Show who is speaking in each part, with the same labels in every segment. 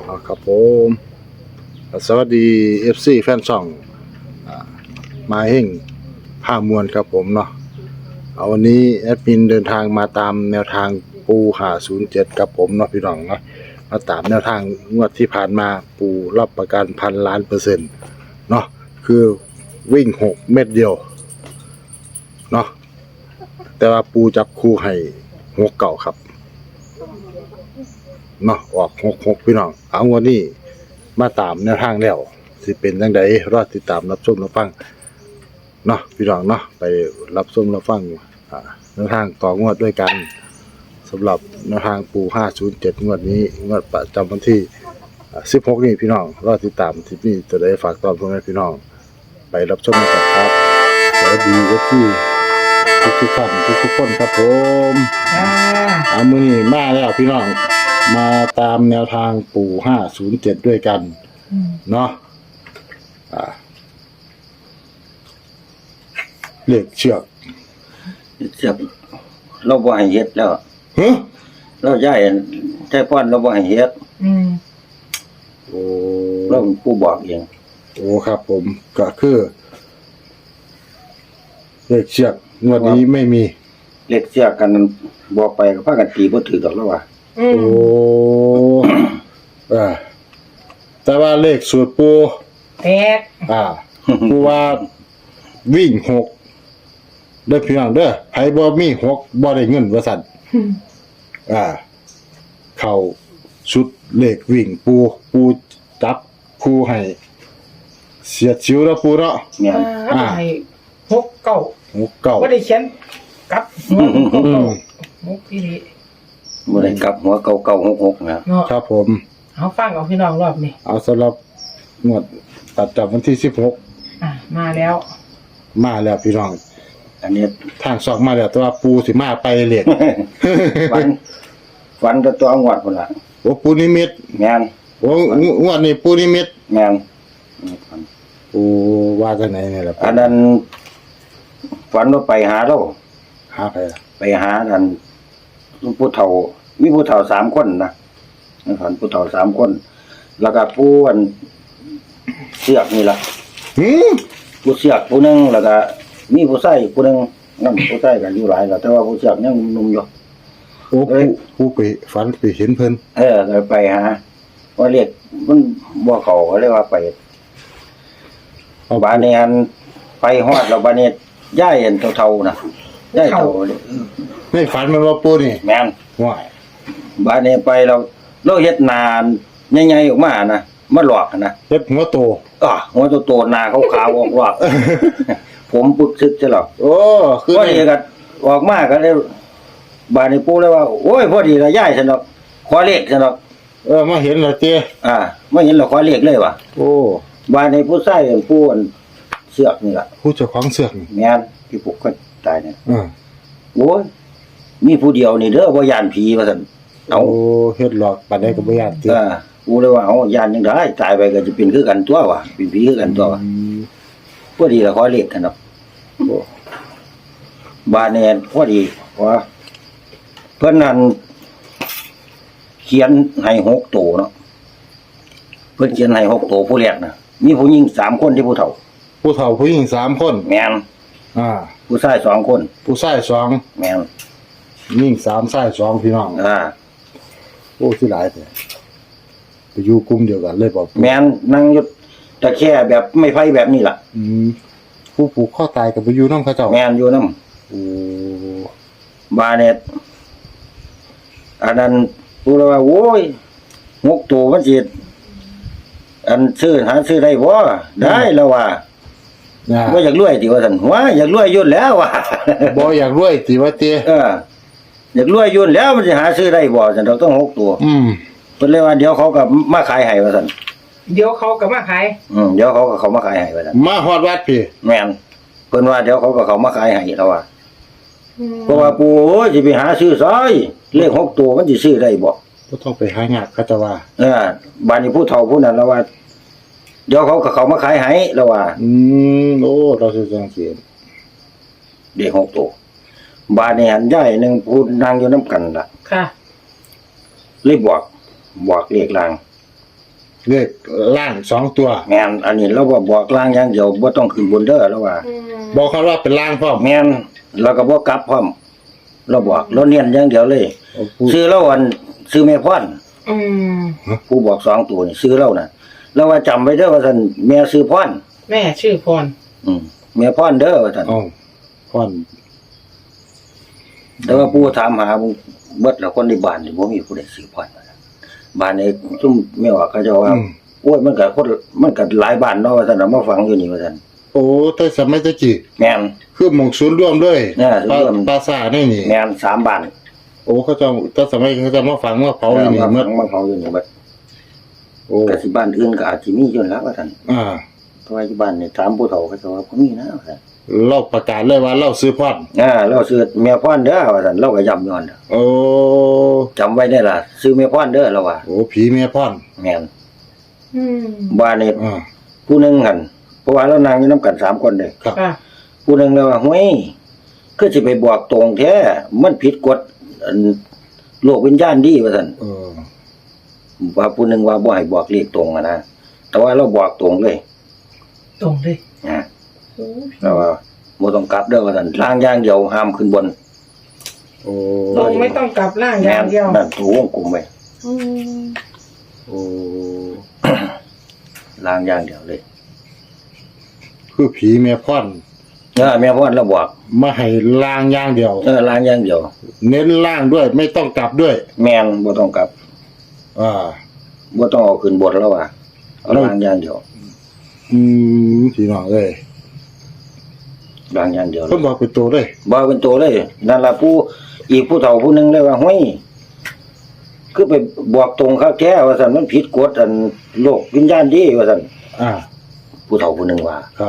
Speaker 1: ครับผมสวัสดี FC แฟนช่องมาเฮงผ้ามวลครับผมเนาะวันนี้แอดมินเดินทางมาตามแนวทางปู507ครับผมเนาะพี่น้องเนาะมาตามแนวทางงวดที่ผ่านมาปูรับประกัน1,000,000,000%เนาะคือวิ่ง6เม็ดเดียวเนาะแต่ว่าปูจับคู่ให้6เก่าครับเนาะออก66พี่น้องเอางวดนี้มาตามแนวทางแล้วสิเป็นจังไดรอติดตามรับชมรับฟังเนาะพี่น้องเนาะไปรับชมรับฟังแนวทางต่องวดด้วยกันสำหรับแนวทางปู507งวดนี้งวดประจำวันที่16นี้พี่น้องรอติดตามที่นี่จะได้ฝากตอนพ่อแม่พี่น้องไปรับชมกันครับสวัสดีที่ทุกท่านทุกคนครับผมมื้อนี้มาแล้วพี่น้องมาตามแนวทางปู่507ด้วยกันเนาะเลขเชือก
Speaker 2: เราบ่ให้เฮ็ดแล้วเราย้ายใจป้อนเราบ่ให้เฮ็ด
Speaker 1: โอ้
Speaker 2: เราเป็นผู้บอกเอง
Speaker 1: โอ้ครับผมก็คือเลขเชือกงวดนี้ไม่มี
Speaker 2: เลขเสียกันบอกไปก็พากันตีบ่ถือดอกแล้วว่า
Speaker 1: โอ้แต่ว่าเลขสูตรปู
Speaker 3: แตก
Speaker 1: ปูว่าวิ่ง6เด้อพี่น้องเด้อไผบ่มี6บ่ได้เงินว่าซั่นเข้าชุดเลขวิ่งปูจับคู่ให้เสียดชิวแล้วปูเนาะ
Speaker 2: แม่น
Speaker 3: ให้6 9บ่ได้เขียนกลับหัว6อีหลี
Speaker 2: บ่ได้กลับหัว9966นะครับ
Speaker 1: ผม
Speaker 3: เอาฟังเอาพี่น้องรอบนี้
Speaker 1: เอาสำหรับงวดตัดจับวันที่16
Speaker 3: มาแล้ว
Speaker 1: พี่น้อง
Speaker 2: อันนี้
Speaker 1: ทางสอกมาแล้วแต่ว่าปูสิมาไปเลข
Speaker 2: ฝันตัวงวดพุ่นล่ะ
Speaker 1: โอ้ปูนิมิต
Speaker 2: แม่น
Speaker 1: โอ้งวดนี้ปูนิมิต
Speaker 2: แม่น
Speaker 1: โอ้ว่าจังไหนเนี่ยล่ะ
Speaker 2: อันนั้นฝันว่าไปหาเรา
Speaker 1: หา
Speaker 2: ไปหานั่นผู้เฒ่ามีผู้เฒ่า3คนนะฝันผู้เฒ่า3คนแล้วก็ผู้อันเสือกนี่ล่ะผู้เสือกผู้นึงแล้วก็มีผู้ชายผู้นึงนำผู้ชายกันอยู่หลายแล้วแต่ว่าผู้เสือกยังหนุ่มอยู่
Speaker 1: โอ้ผู้ไปฝันไปเห็นเพิ่น
Speaker 2: เลยไปหาว่าเรียกมันบ่เข้าก็เลยว่าไปบ้านนี้อันไปฮอดแล้วบ้านนี้ย้ายอันเฒ่าๆน่ะย้ายเฒ่า
Speaker 1: ในฝันมันว่าปูนี่
Speaker 2: แม่น
Speaker 1: ว้าย
Speaker 2: บ้านนี้ไปเราเฮ็ดนานใหญ่ๆออกมานะมาหลอกนะ
Speaker 1: เฮ็ดหัวโต
Speaker 2: หัวโตๆหน้าขาวๆออกหลอกผมปึกซึกซะหรอก
Speaker 1: โอ้
Speaker 2: คือพอดีก็ออกมาก็เลยบ้านนี้ปู่เลยว่าโอ้ยพอดีละย้ายซั่นดอกขอเลขซั่นดอก
Speaker 1: มาเห็นแล้วเจ้
Speaker 2: มาเห็นแล้วขอเลขเลยว่ะ
Speaker 1: โอ้
Speaker 2: บ้านนี้ผู้ชายผู้เสือกนี่ล่ะ
Speaker 1: ผู้เจ้าของเสือก
Speaker 2: แม่นที่ผูกก็ตายเนี่ยโอ้ยมีผู้เดียวนี่เด้อบ่ย่านผีว่าซั่น
Speaker 1: เอาเฮ็ดหลอกปานใดก็บ่ย่านติ
Speaker 2: กูเลยว่าเอาย่านจังได๋ตายไปก็จะเป็นคือกันตัวว่ะเป็นผีคือกันตัวว่ะพอดีละขอเลขกันเนาะบ้านนี้พอดีว่าเพิ่นนั่นเขียนให้6ตัวเนาะเพิ่นเขียนให้6ตัวผู้แรกน่ะมีผู้หญิง3คนที่ผู้เฒ่า
Speaker 1: ผู้หญิง3คน
Speaker 2: แม่นผู้ชาย2คน
Speaker 1: ผู้ชาย2
Speaker 2: แม่น
Speaker 1: หญิง3ชาย2พี่น้องโอ้สิหลายแท้ไปอยู่กลุ่มเดียวกันเลยบ่
Speaker 2: แม่นนั่งอยู่ตะแค่แบบไม่ไผแบบนี้ล่ะ
Speaker 1: ผู้ผูกคอตายก็ไปอยู่นำเขาเจ้า
Speaker 2: แม่นอยู่นำ
Speaker 1: โอ้
Speaker 2: บ้านเนี่ยอันนั้นผู้ว่าโอ้ย6ตัวมันสิอันหาซื้อได้บ่ได้แล้วว่าบ่อยากรวยติว่าซั่นว่าอยากรวยยุ่นแล้วว่ะ
Speaker 1: บ่อยากรวยติว่าติ
Speaker 2: อยากรวยยุ่นแล้วมันสิหาซื้อได้บ่ซั่นต้อง6ตัวเพิ่นเลยว่าเดี๋ยวเขาก็มาขายให้ว่าซั่น
Speaker 3: เดี๋ยวเขาก็มาขาย
Speaker 2: เดี๋ยวเขาก็เขามาขายให้ว่าซั่น
Speaker 1: มาฮอดวัดพี่
Speaker 2: แม่นเพิ่นว่าเดี๋ยวเขาก็เขามาขายให้แล้วว่าเพราะว่าปู่โอ้ยสิไปหาซื้อซอยเลข6ตัวมันสิซื้อได้บ่
Speaker 1: บ่ต้องไปหายากเขาจะว่า
Speaker 2: บ้านนี้ผู้เฒ่าผู้นั้นแล้วว่าเดี๋ยวเขาก็เขามาขายให้แล้วว่า
Speaker 1: โอ้เราสิจังซี่
Speaker 2: เลข6ตัวบ้านนี้หันยายนึงพูดนั่งอยู่นำกันล่ะ
Speaker 3: ค่ะ
Speaker 2: เลยบอกเลขลาง
Speaker 1: เลขล่าง2ตัว
Speaker 2: แม่นอันนี้เราบอกล่างอย่างเดียวบ่ต้องขึ้นบนเด้อแล้วว่า
Speaker 1: บอกเขาว่าเป็นล่างพร้อม
Speaker 2: แม่นเราก็บ่กลับพร้อมเราบอกเราเน้นอย่างเดียวเลย ซื้อเราอันซื้อแม่พร
Speaker 3: อืม
Speaker 2: ผู้บอก2ตัวนี่ซื้อเราน่ะแล้วว่าจำไว้เด้อว่าซั่นแม่ซื้อพร
Speaker 3: แม่ชื่อพร
Speaker 2: แม่พรเด้อว่าซั่น
Speaker 1: อ๋อพร้อม
Speaker 2: แต่ว่าผู้ถามหาเบิดแล้วคนในบ้านนี่บ่มีผู้ใดซื้อพรว่าซั่นบ้านนี้ซุ่มแม่ว่าเขาเจะว่าโอ้ยมันก็หลายบ้านเนาะว่าซั่นน่ะมาฟังอยู่นี่ว่าซั่น
Speaker 1: โอ้แต่สมัยตะกี้
Speaker 2: แม่น
Speaker 1: คือหมองศูนย์รวมเลย
Speaker 2: ศูนย์รวม
Speaker 1: ปราสาทนี่นี่
Speaker 2: แม่น3บ้าน
Speaker 1: โอ้เขาจะแต่สมัยเขาจะมาฝังมาเผาอยู่นี่
Speaker 2: มา
Speaker 1: เมื่อ
Speaker 2: มาเผาอยู่นี่เบิด
Speaker 1: โอ้
Speaker 2: แต่สิบ้านอื่นก็อาจสิมีอยู่แล้วว่าซั่น
Speaker 1: อ่า
Speaker 2: เพราะว่าที่บ้านนี่ถามผู้เฒ่าเขาจะว่าบ่มีนะว่าซั่น
Speaker 1: เราประกาศเลยว่าเราซื้อพอด
Speaker 2: เราซื้อแม่พรเด้อว่าซั่นเราก็ย้ำย้อน
Speaker 1: โอ้
Speaker 2: จำไว้ได้ล่ะซื้อแม่พรเด้อเราว่า
Speaker 1: โอ้ผีแม่พอด
Speaker 2: แม่น
Speaker 3: อืม
Speaker 2: บ้านนี่
Speaker 1: อ่า
Speaker 2: ผู้หนึงหั่นเพราะว่าเรานั่งอยู่นํกัน3คนเด้
Speaker 1: ครับ
Speaker 3: ค่ะ
Speaker 2: ผู้หนึงเลยว่าห้วยคือสิไปบอกตรงแท้มันผิดกฎอันโลกวิญญาณดีว่าซั่น
Speaker 1: เออ
Speaker 2: ว่าผู้หนึงว่าบ่ให้บอกเลขตรงอะนะแต่ว่าเราบอกตรงเลย
Speaker 3: ตรงเลย
Speaker 2: นะ
Speaker 3: โอ้
Speaker 2: เราว่าบ่ต้องกลับเด้อว่าซั่นล่างอย่างเดียวห้ามขึ้นบน
Speaker 1: โอ้
Speaker 3: ตรงไม่ต้องกลับร่างอย่างเดียว
Speaker 2: นั่นถูวงกลมไว้
Speaker 3: อืม
Speaker 1: โอ้
Speaker 2: ล่างอย่างเดียวเลย
Speaker 1: คือผีแม่พอด
Speaker 2: แม่พรเราบอก
Speaker 1: มาให้ล่างอย่างเดียว
Speaker 2: ล่างอย่างเดียว
Speaker 1: เน้นล่างด้วยไม่ต้องกลับด้วย
Speaker 2: แม่นบ่ต้องกลับ
Speaker 1: อ่า
Speaker 2: บ่ต้องเอาขึ้นบนแล้วว่าเอาล่างอย่างเดียว
Speaker 1: พี่น้องเอ้ย
Speaker 2: ล่างอย่างเดียวเล
Speaker 1: เพิ่น
Speaker 2: ย
Speaker 1: บอกเป็นตัวเลย
Speaker 2: บ่เป็นตัวเลยนั่นล่ะผู้อีกผู้เฒ่าผู้หนึงเลยว่าห้วยคือไปบอกตรงเขาแท้ว่าซั่นมันผิดกฎอันโลกวิญญาณดีว่าซั่น
Speaker 1: อ่า
Speaker 2: ผู้เฒ่าผู้หนึงว่า
Speaker 1: ครับ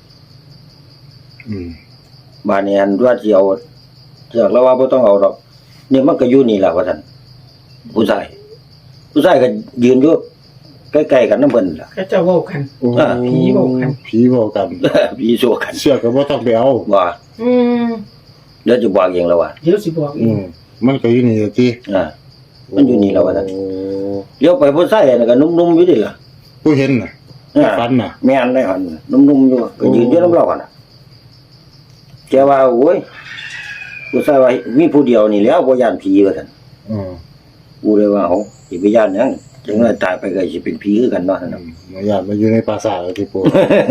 Speaker 2: บ้านนี้อันว่าสิเอาเสือกแล้วว่าบ่ต้องเอาดอกนี่มันก็อยู่นี่ล่ะว่าซั่นผู้ชายก็ยืนอยู่ใกล้ๆกันนำเพิ่นล่ะ
Speaker 3: ก็จะเว้ากัน
Speaker 1: โอ้
Speaker 3: ผีบอกกัน
Speaker 1: ผีบอกกัน
Speaker 2: พี่โซกัน
Speaker 1: เสื้อก็บ่ต้องไปเอา
Speaker 2: ว่า
Speaker 3: อืม
Speaker 2: เดี๋ยวจะบอกเองแล้วว่า
Speaker 3: เดี๋ยวสิบอกอีก
Speaker 1: มันก็อยู่นี่ล่ะติ
Speaker 2: มันอยู่นี่แล้วว่าซั่น
Speaker 1: โอ้
Speaker 2: เลี้ยวไปผู้ชายนั่นก็นุ่มๆอยู่ดิล่ะ
Speaker 1: ผู้เห็นน่ะฝันน่ะ
Speaker 2: แม่นได้หั่นนุ่มๆอยู่ก็ยืนอยู่นำเราหั่นน่ะแกว่าโอ้ยผู้ชายว่ามีผู้เดียวนี่แหล้วบ่ย่านผีว่าซั่น
Speaker 1: อืม
Speaker 2: กูเลยว่าเฮาสิไปย่านหยังจังได๋ตายไปก็สิเป็นผีคือกันเนาะนั่นน่ะ
Speaker 1: มาญาติมาอยู่ในปราสาทแล้วที่ปู่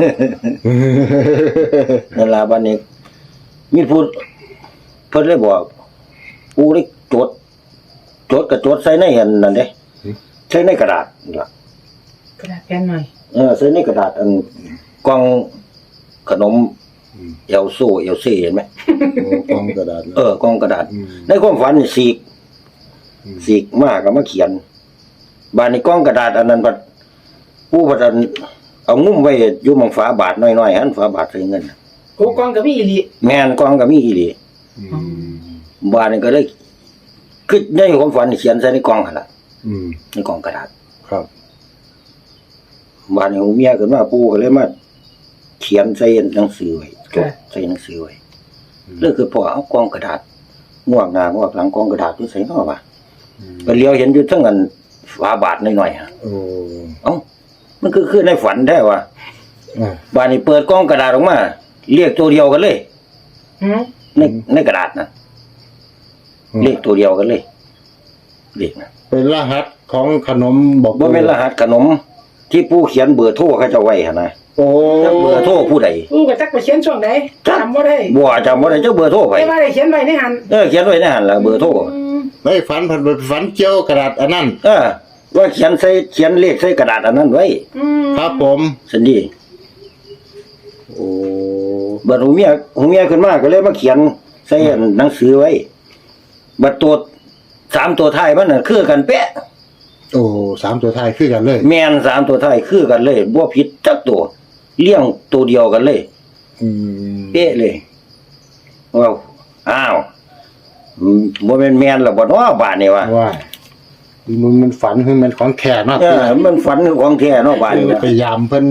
Speaker 2: นั่นล่ะบัดนี้มีผู้เพิ่นเลยบอกกูได้จดก็จดใส่ในอันนั่นเด้ใส่ในกระดาษนั่นล่ะ
Speaker 3: กระดาษแผ่นหน่อย
Speaker 2: ใส่ในกระดาษอันกล่องขนมเอลโซเอลซี่เห็นไหม
Speaker 1: โอ้กองกระดาษนะ
Speaker 2: กล่องกระดาษ
Speaker 1: อืม
Speaker 2: ในความฝันนี่สีกมากก็มาเขียนบานในกล่องกระดาษอันนั้นบัดผู้บัดอันเอางุ้มไว้อยู่หมองฝาบาทน้อยๆหันฝาบาทใส่เงิน
Speaker 3: โกกองกับพี่อีหลี
Speaker 2: แม่นกล่องก็มีอีหลี
Speaker 1: อืม
Speaker 2: บานนี่ก็เลยคือในความฝันนี่เขียนใส่ในกล่องหั่นล่ะ
Speaker 1: อืม
Speaker 2: ในกล่องกระดาษ
Speaker 1: ครับ
Speaker 2: บานนี่หูเมียขึ้นมาปู่ก็เลยมาเขียนใส่หนังสือไว้จดใส่หนังสือไว้เรื่องคือพอเอากล่องกระดาษง่วงหน้าง่วงหลังกล่องกระดาษอยู่ใส่เนาะว่าไปเลี้ยวเห็นอยู่ทั้งอันฝาบาทน้อยๆฮะ
Speaker 1: โอ้
Speaker 2: เอ้ามันคือในฝันแท้ว่ะ
Speaker 1: อ่า
Speaker 2: บานนี้เปิดกล่องกระดาษออกมาเรียกตัวเดียวกันเลย
Speaker 3: หืม
Speaker 2: ในกระดาษนะเรียกตัวเดียวกันเลยเรียกนะ
Speaker 1: เป็นรหัสของขนมบอก
Speaker 2: บ่เป็นรหัสขนม ที่ผู้เขียนเบอร์โทรเขาจะไว้หั่นนะ
Speaker 1: โอ้
Speaker 2: จักเบอร์โทรผู้ใด
Speaker 3: กูก็จักไปเขียนช่วงไหนจำบ่ได้
Speaker 2: บ่จำบ่ได้จักเบอร์โทรไผ
Speaker 3: แต่ว่าได้เขียนไว้ในหัน
Speaker 2: เขียนไว้ในหั่นล่ะเบอร์โทร
Speaker 3: อืม
Speaker 1: ไม่ฝันผันไปฝันเกี่ยวกระดาษอันนั้น
Speaker 2: ว่าเขียนเลขใส่กระดาษอันนั้นไว้
Speaker 3: อืม
Speaker 1: ครับผม
Speaker 2: ซั่นดี
Speaker 1: โอ้
Speaker 2: บัดหูเมียขึ้นมาก็เลยมาเขียนใส่หนังสือไว้ บัดตัว3ตัวท้ายมันน่ะคือกันเป๊ะ
Speaker 1: โอ้สามตัวท้ายคือกันเลย
Speaker 2: แม่น3ตัวท้ายคือกันเลยบ่ผิดจักตัวเลี้ยงตัวเดียวกันเลย
Speaker 1: อืม
Speaker 2: เป๊ะเลยว้าวอ้าวบ่แม่นแม่นแล้วบ่เนาะบาดนี้วะ
Speaker 1: ว่ามันฝันคือมันของแท้เนาะ
Speaker 2: มันฝันของแท้เนาะบาดนี้
Speaker 1: พยายามเพิ่น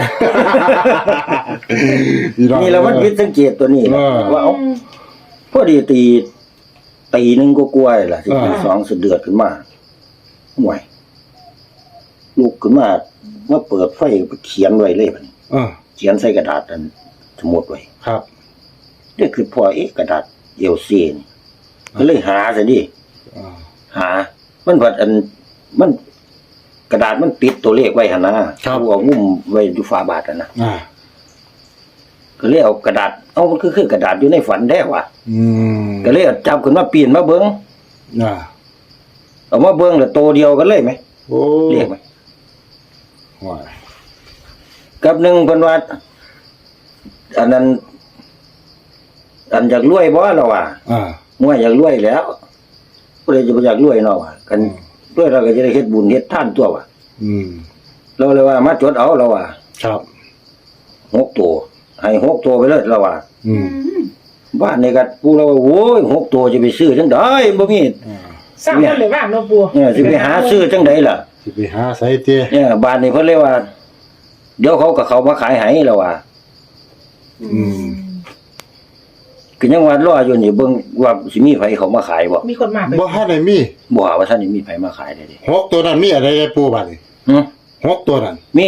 Speaker 2: นี่แหละมันผิดสังเกตตัวนี้แหละ
Speaker 1: เออ
Speaker 2: ว่าเอาพอดีตีหนึงก็กลัวๆล่ะสิตี2สะเดือดขึ้นมาห่วยลุกขึ้นมาเปิดไฟเขียนไว้เลยบัดนี้ เขียนใส่กระดาษอันสมุดไว้
Speaker 1: ครับ
Speaker 2: นี่คือพอกระดาษเอลซีนี่ก็เลยหาซะดิ
Speaker 1: อ่า
Speaker 2: หา มันบัดมันกระดาษมันติดตัวเลขไว้หั่นนะครับ เอางุ้มไว้อยู่ฝาบาทนะ
Speaker 1: อ่า
Speaker 2: ก็เลยเอากระดาษมันคือกระดาษอยู่ในฝันแท้ว่ะ
Speaker 1: อืม
Speaker 2: ก็เลยเอาจับขึ้นมาปีนมาเบิ่ง
Speaker 1: อ่า
Speaker 2: เอามาเบิ่งแล้วโตเดียวกันเลยไหม
Speaker 1: โอ้
Speaker 2: เรียกไหม
Speaker 1: ว้าย
Speaker 2: กับหนึ่งเพิ่นว่าอันนั้นอันอยากรวยบ่ล่ะว่ะ
Speaker 1: อ่า
Speaker 2: มวยอยากรวยแล้วผู้ใดจะบ่อยากรวยเนาะว่ะกันรวยเราก็จะได้เฮ็ดบุญเฮ็ดทานตัวว่ะ
Speaker 1: อืม
Speaker 2: เราเลยว่ามาจดเอาเราว่ะ
Speaker 1: ครับ
Speaker 2: 6ตัวให้6ตัวไปเลยเราว่ะ
Speaker 1: อืม
Speaker 2: บ้านนี่ก็ปู่เราว่าโอ้ย6ตัวจะไปซื้อจังได๋บ่มี
Speaker 1: อ่า
Speaker 3: สร้างคนเลยว่างเนาะปู
Speaker 2: เนี่ยสิไปหาซื้อจังได๋ล่ะ
Speaker 1: สิไปหาใส่เตี้ย
Speaker 2: เนี่ยบ้านนี้เพิ่นเลยว่า เดี๋ยวเขาก็เข้ามาขายให้แล้วว่ะ
Speaker 1: อืม
Speaker 2: ก็ยังว่ารออยู่นี่เบิ่งว่าสิมีไผเขามาขายบ่
Speaker 3: มีคนมาไป
Speaker 1: บ่ทันได้มี
Speaker 2: บ่ว่าท่านนี่มีไผมาขายได้ดิ
Speaker 1: หกตัวนั้นมีอะไรได้ปูบัดนี้
Speaker 2: หึ
Speaker 1: หกตัวนั้น
Speaker 2: มี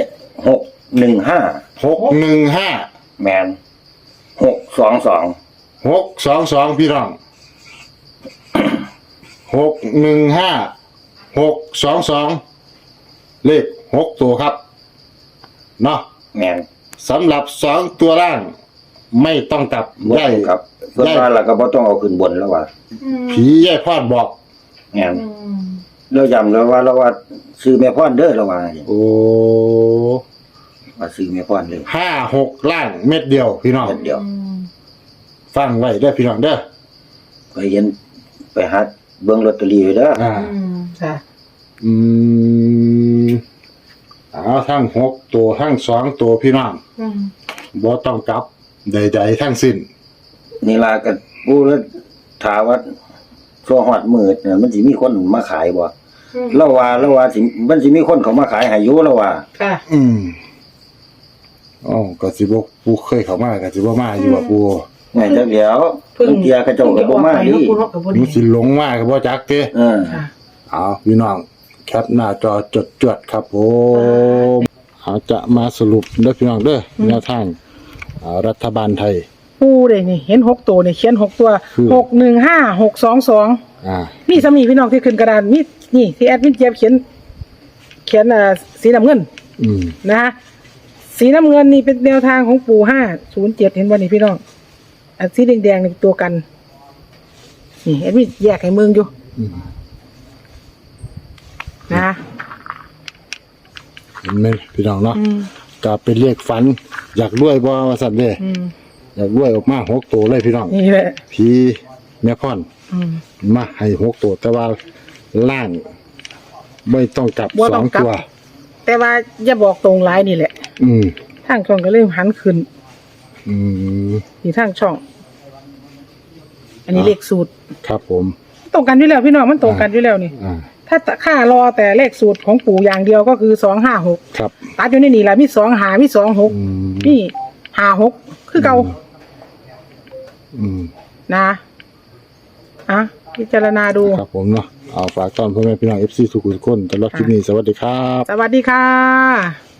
Speaker 2: 615
Speaker 1: 615
Speaker 2: แม่น622
Speaker 1: 622พี่น้อง615 622เลข6ตัวครับเนาะ
Speaker 2: แม่น
Speaker 1: สำหรับ2ตัวล่าง ไม่ต้องกลับ
Speaker 2: บ่
Speaker 1: ได้
Speaker 2: ต้องครับเพิ่นว่าแล้วก็บ่ต้องเอาขึ้นบนแล้วว่า
Speaker 1: ผียายพอดบอก
Speaker 2: แม่นเราย้ำแล้วว่าซื้อแม่พรเด้อแล้วว่า
Speaker 1: โอ้
Speaker 2: ว่าซื้อแม่พรเลย
Speaker 1: 56ล่างเม็ดเดียวพี่น้อง
Speaker 2: เดี๋ยว
Speaker 1: ฟังไว้เด้อพี่น้องเด้อ
Speaker 2: ไปเห็นไปหาเบิ่งลอตเตอรี่ไว้เด้อ
Speaker 1: อ่า
Speaker 3: ค่ะ
Speaker 1: อืมเอาทั้ง6ตัวทั้ง2ตัวพี่น้องบ่ต้องกลับใดๆทั้งสิ้น
Speaker 2: นี่ล่ะก็ผู้แล้วถามว่าช่วงฮอดมื้อน่ะมันสิมีคนมาขายบ่เราว่าสิมันสิมีคนเขามาขายให้อยู่แล้วว่า
Speaker 3: ค่ะ
Speaker 1: อืมอ๋อก็สิบ่ปูเคยเข้ามาก็สิบ่มาอยู่ว่าปู
Speaker 2: แม่นจักเดียวเพิ่งเทียเขาเจ้าก็บ่มาดิ
Speaker 3: ปูเนาะกับบ่
Speaker 1: มั
Speaker 3: ดี
Speaker 1: นสิหลงมาก็บ่จักเด้
Speaker 3: ค่ะ
Speaker 1: เอาพี่น้องแคปหน้าจอจดครับผมเอาจะมาสรุปเด้อพี่น้องเด้อแนวทางรัฐบาลไทย
Speaker 3: ปูเลยนี่เห็น6ตัวนี่เขียน6ตัว
Speaker 1: คือ
Speaker 3: 615 622
Speaker 1: อ่า
Speaker 3: นี่สามีพี่น้องที่ขึ้นกระดานนี่ที่แอดมินเจี๊ยบเขียนสีน้ำเงิน
Speaker 1: อืม
Speaker 3: นะฮะสีน้ำเงินนี่เป็นแนวทางของปู่507เห็นบ่นี่พี่น้องอันสีแดงๆนี่ตัวกันนี่แอดมินแยกให้มึงอยู่
Speaker 1: อืม
Speaker 3: นะ
Speaker 1: เห็นไหมพี่น้องเนาะ
Speaker 3: อืม
Speaker 1: ก็เป็นเลขฝัน อยากรวยบ่ว่าซั่นเด้
Speaker 3: อืม
Speaker 1: อยากรวยออกมา6ตัวเลยพี่น้อง
Speaker 3: นี่แหละ
Speaker 1: ผีแม่พ่อน
Speaker 3: อืม
Speaker 1: มาให้6ตัวแต่ว่าล่างไม่ต้องกลับ
Speaker 3: บ่ต้องกลับ
Speaker 1: 2ตัว
Speaker 3: แต่ว่าอย่าบอกตรงหลายนี่แหละ
Speaker 1: อืม
Speaker 3: ทางช่องก็เริ่มหันขึ้น
Speaker 1: อืม
Speaker 3: ที่ทางช่อง อันนี้เลขสูตร
Speaker 1: ครับผม
Speaker 3: ตรงกันอยู่แล้วพี่น้องมันตรงกันอยู่แล้วนี่
Speaker 1: อ่า
Speaker 3: ถ้าค่ารอแต่เลขสูตรของปู่อย่างเดียวก็คือ256
Speaker 1: ครับ
Speaker 3: ตัดอยู่ในนี่แหละมี2หามี26
Speaker 1: อืม
Speaker 3: นี่56คือเก่า
Speaker 1: อืม
Speaker 3: นะอ่ะพิจารณาดู
Speaker 1: ครับผมเนาะเอาฝากต้อนพ่อแม่พี่น้อง FC ทุกคนตลอดคลิปนี้สวัสดีครับ
Speaker 3: สวัสดีค่ะ